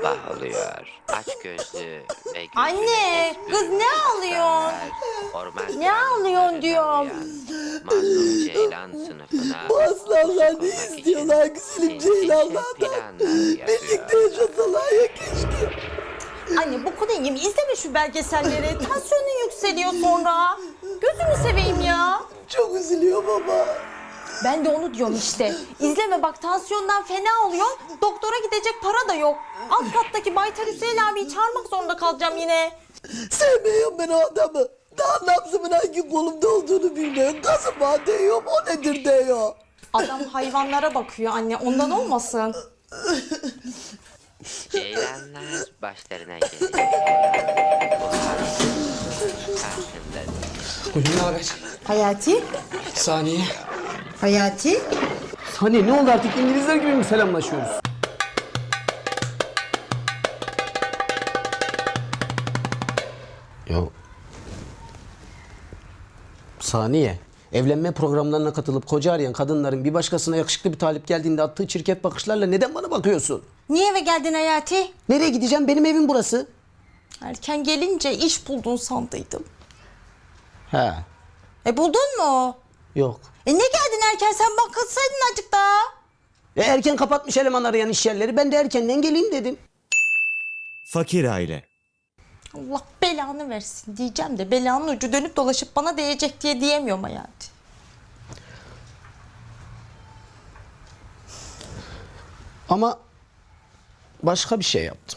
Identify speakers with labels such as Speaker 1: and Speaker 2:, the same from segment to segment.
Speaker 1: Sabah oluyor, aç gözlü ve gözüne
Speaker 2: Anne,
Speaker 1: et
Speaker 2: kız
Speaker 1: bürümüş
Speaker 2: ne ağlıyorsun?
Speaker 1: aslanlar, orman
Speaker 2: Ne ağlıyorsun
Speaker 1: karanlıklarına
Speaker 2: diyorum.
Speaker 1: uyan Mazlum Ceylan sınıfına
Speaker 3: Bu aslanlar
Speaker 1: ışık
Speaker 3: ne
Speaker 1: olmak
Speaker 3: istiyorlar
Speaker 1: için
Speaker 3: güzelim
Speaker 1: sinsice
Speaker 3: Ceylanlardan?
Speaker 1: planlar
Speaker 3: Birlikte
Speaker 1: yapıyor.
Speaker 3: yaşasalar ya keşke.
Speaker 2: Anne bu kodayım izleme şu belgeselleri. Tansiyonun yükseliyor sonra. Gözünü seveyim ya.
Speaker 3: Çok üzülüyor baba.
Speaker 2: Ben de onu diyorum işte. İzleme bak tansiyondan fena oluyor. Doktora gidecek para da yok. Alt kattaki Baytar Hüseyin abiyi çağırmak zorunda kalacağım yine.
Speaker 3: Sevmiyorum ben o adamı. Daha nabzımın hangi kolumda olduğunu bilmiyorum. Gazım var diyorum, o nedir diyor.
Speaker 2: Adam hayvanlara bakıyor anne ondan olmasın.
Speaker 1: Ceylanlar başlarına geliyor. Karşında
Speaker 4: Buyurun, ne haber?
Speaker 5: Hayati?
Speaker 4: Saniye.
Speaker 5: Hayati?
Speaker 4: Hani ne oldu artık, İngilizler gibi mi selamlaşıyoruz? Ya Saniye, evlenme programlarına katılıp koca arayan kadınların bir başkasına yakışıklı bir talip geldiğinde attığı çirkef bakışlarla neden bana bakıyorsun?
Speaker 2: Niye eve geldin Hayati?
Speaker 4: Nereye gideceğim? Benim evim burası.
Speaker 2: Erken gelince iş buldun sandıydım.
Speaker 4: He,
Speaker 2: Buldun mu?
Speaker 4: yok.
Speaker 2: Ne geldin erken sen bakılsaydın azıcık daha.
Speaker 4: Erken kapatmış eleman arayan iş yerleri. Ben de erkenden geleyim dedim.
Speaker 6: Fakir aile.
Speaker 2: Allah belanı versin diyeceğim de belanın ucu dönüp dolaşıp bana değecek diye diyemiyorum Hayati.
Speaker 4: Ama başka bir şey yaptım.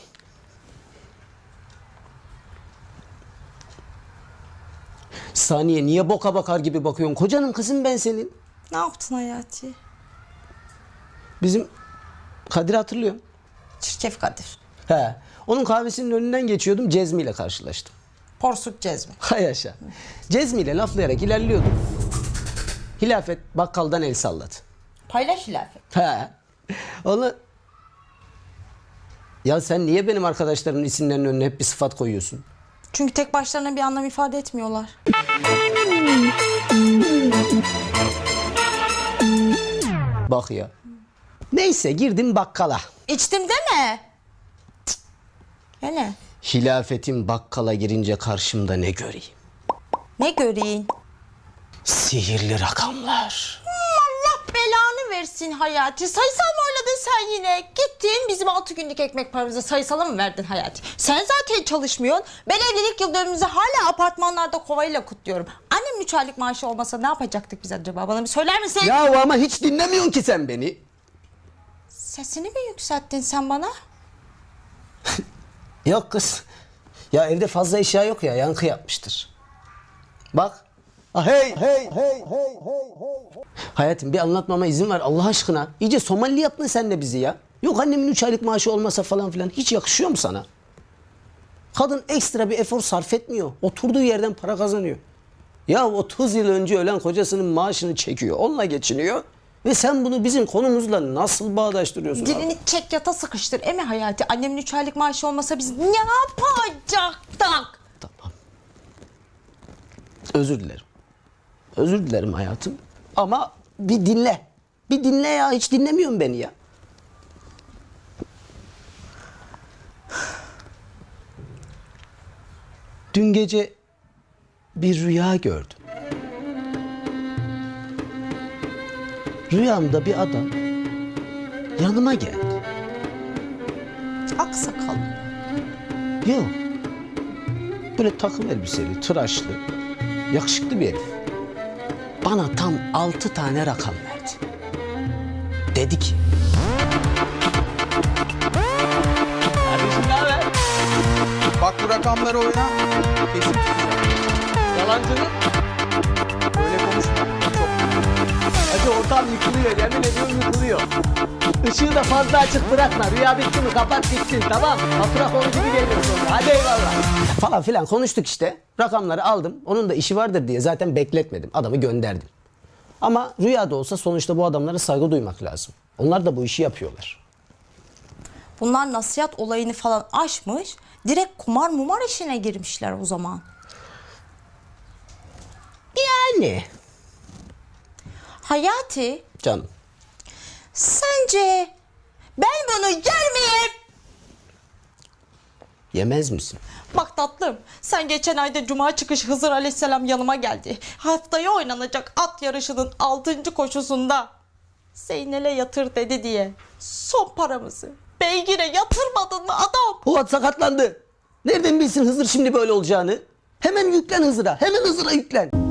Speaker 4: Saniye, niye boka bakar gibi bakıyorsun? Kocanın kızım ben senin.
Speaker 2: Ne yaptın Hayati?
Speaker 4: Bizim Kadir hatırlıyorum.
Speaker 2: Çirkef Kadir.
Speaker 4: He. Onun kahvesinin önünden geçiyordum. Cezmi ile karşılaştım.
Speaker 2: Porsuk Cezmi.
Speaker 4: Hay yaşa. Cezmi ile laflayarak ilerliyordum. Hilafet bakkaldan el salladı.
Speaker 2: Paylaş hilafet.
Speaker 4: He. Onu... Ya sen niye benim arkadaşlarımın isimlerinin önüne hep bir sıfat koyuyorsun?
Speaker 2: Çünkü tek başlarına bir anlam ifade etmiyorlar.
Speaker 4: Bak ya. Neyse girdim bakkala.
Speaker 2: İçtim deme. Hele.
Speaker 4: Hilafetin bakkala girince karşımda ne göreyim?
Speaker 2: Ne göreyim?
Speaker 4: Sihirli rakamlar.
Speaker 2: Allah belanı versin Hayati. Sayısal mı oynadın sen yine? Gittin bizim 6 günlük ekmek paramızı sayısala mı verdin Hayati? Sen zaten çalışmıyorsun. Ben evlilik yıl dönümümüzü hala apartmanlarda kovayla kutluyorum. Annem 3 aylık maaşı olmasa ne yapacaktık biz acaba? Bana bir söyler misin?
Speaker 4: Ya ama hiç dinlemiyorsun ki sen beni.
Speaker 2: Sesini mi yükselttin sen bana?
Speaker 4: Yok kız. Ya evde fazla eşya yok ya, yankı yapmıştır. Bak. Ah, hey. Hayatım bir anlatmama izin ver Allah aşkına. İyice Somali yaptın sen de bizi ya. Yok annemin 3 aylık maaşı olmasa falan filan. Hiç yakışıyor mu sana? Kadın ekstra bir efor sarf etmiyor. Oturduğu yerden para kazanıyor. Ya 30 yıl önce ölen kocasının maaşını çekiyor. Onunla geçiniyor. Ve sen bunu bizim konumuzla nasıl bağdaştırıyorsun abi?
Speaker 2: Dilini çek yata sıkıştır. Eme Hayati. Annemin 3 aylık maaşı olmasa biz ne yapacaktık?
Speaker 4: Tamam. Özür dilerim. Özür dilerim hayatım. Ama bir dinle. Bir dinle ya. Hiç dinlemiyorsun beni ya. Dün gece bir rüya gördüm. Rüyamda bir adam yanıma geldi.
Speaker 2: Aksakal.
Speaker 4: Yok. Böyle takım elbiseli, tıraşlı, yakışıklı bir herif. Bana tam 6 tane rakam verdi. Dedi ki... Kardeşim ne haber?
Speaker 7: Bak bu rakamları oyna. Kesin tutacağım.
Speaker 4: Yalancının.
Speaker 7: Böyle konuşma. Çok.
Speaker 4: Hadi ortam yıkılıyor, yemin ediyorum yıkılıyor. Işığı da fazla açık bırakma. Rüya bitti mi kapat gitsin, tamam. Fatura konu gibi geliyor sonra. Hadi eyvallah. Falan filan konuştuk işte. Rakamları aldım. Onun da işi vardır diye zaten bekletmedim. Adamı gönderdim. Ama rüyada olsa sonuçta bu adamlara saygı duymak lazım. Onlar da bu işi yapıyorlar.
Speaker 2: Bunlar nasihat olayını falan aşmış. Direkt kumar mumar işine girmişler o zaman.
Speaker 4: Yani.
Speaker 2: Hayati,
Speaker 4: Canım.
Speaker 2: sence ben bunu yer miyim?
Speaker 4: Yemez misin?
Speaker 2: Bak tatlım, sen geçen ayda Cuma çıkış Hızır Aleyhisselam yanıma geldi. Haftaya oynanacak at yarışının 6. koşusunda Zeynel'e yatır dedi diye son paramızı beygire yatırmadın mı adam?
Speaker 4: O at sakatlandı. Nereden bilsin Hızır şimdi böyle olacağını? Hemen yüklen Hızır'a. Hemen Hızır'a yüklen.